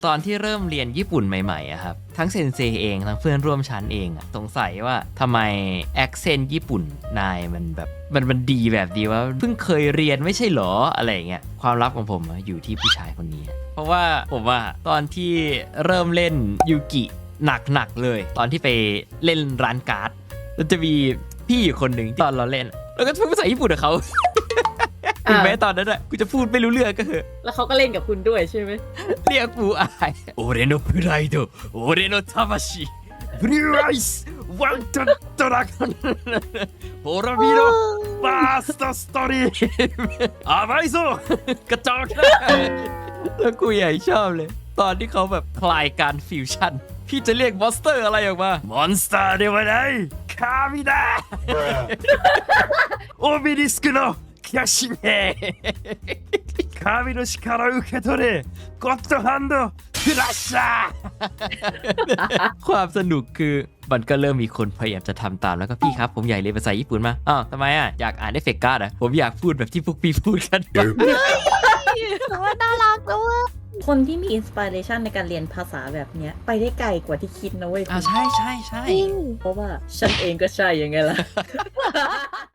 ตอนที่เริ่มเรียนญี่ปุ่นใหม่ๆอะครับทั้งเซนเซเองทั้งเพื่อนร่วมชั้นเองอะสงสัยว่าทำไมแอคเซนต์ญี่ปุ่นนายมันแบบมันดีแบบดีว่าเพิ่งเคยเรียนไม่ใช่หรออะไรเงี้ยความลับของผมอยู่ที่ผู้ชายคนนี้เพราะว่าผมว่าตอนที่เริ่มเล่นยูกิหนักๆเลยตอนที่ไปเล่นร้านการ์ดแล้วจะมีพี่อยู่คนหนึ่งตอนเราเล่นแล้วก็พูดภาษาญี่ปุ่นกับเขาถึงแม้ตอนนั้นอะกูจะพูดไม่รู้เรื่องก็เถอะแล้วเขาก็เล่นกับคุณด้วยใช่ไหมเรียกปูอายโอเรโนプライドโอเรโน魂ブルーアイスワントドラゴンโฮราบิโรファーストストリーム甘いぞกระจอกนะแล้วกูใหญ่ชอบเลยตอนที่เขาแบบคลายการฟิวชั่นพี่จะเรียกมอนสเตอร์อะไรออกมามอนสเตอร์ではない神だオベリスクのキャシメ神の力を受け取れゴッドハンドクラッシャー ความสนุกคือมันก็เริ่มมีคนพยายามจะทำตามแล้วก็พี่ครับผมอยากเรียนภาษาญี่ปุ่นมาอ้าวทำไมอ่ะอยากอ่านเอฟเฟกต์การ์ดอ่ะผมอยากพูดแบบที่พวกพี่พูดกันว่าน่ารักด้วยคนที่มีอินสปิเรชันในการเรียนภาษาแบบเนี้ยไปได้ไกลกว่าที่คิดนะเว้ยใช่ใช่ใช่เพราะว่าฉันเองก็ใช่ยังไงล่ะ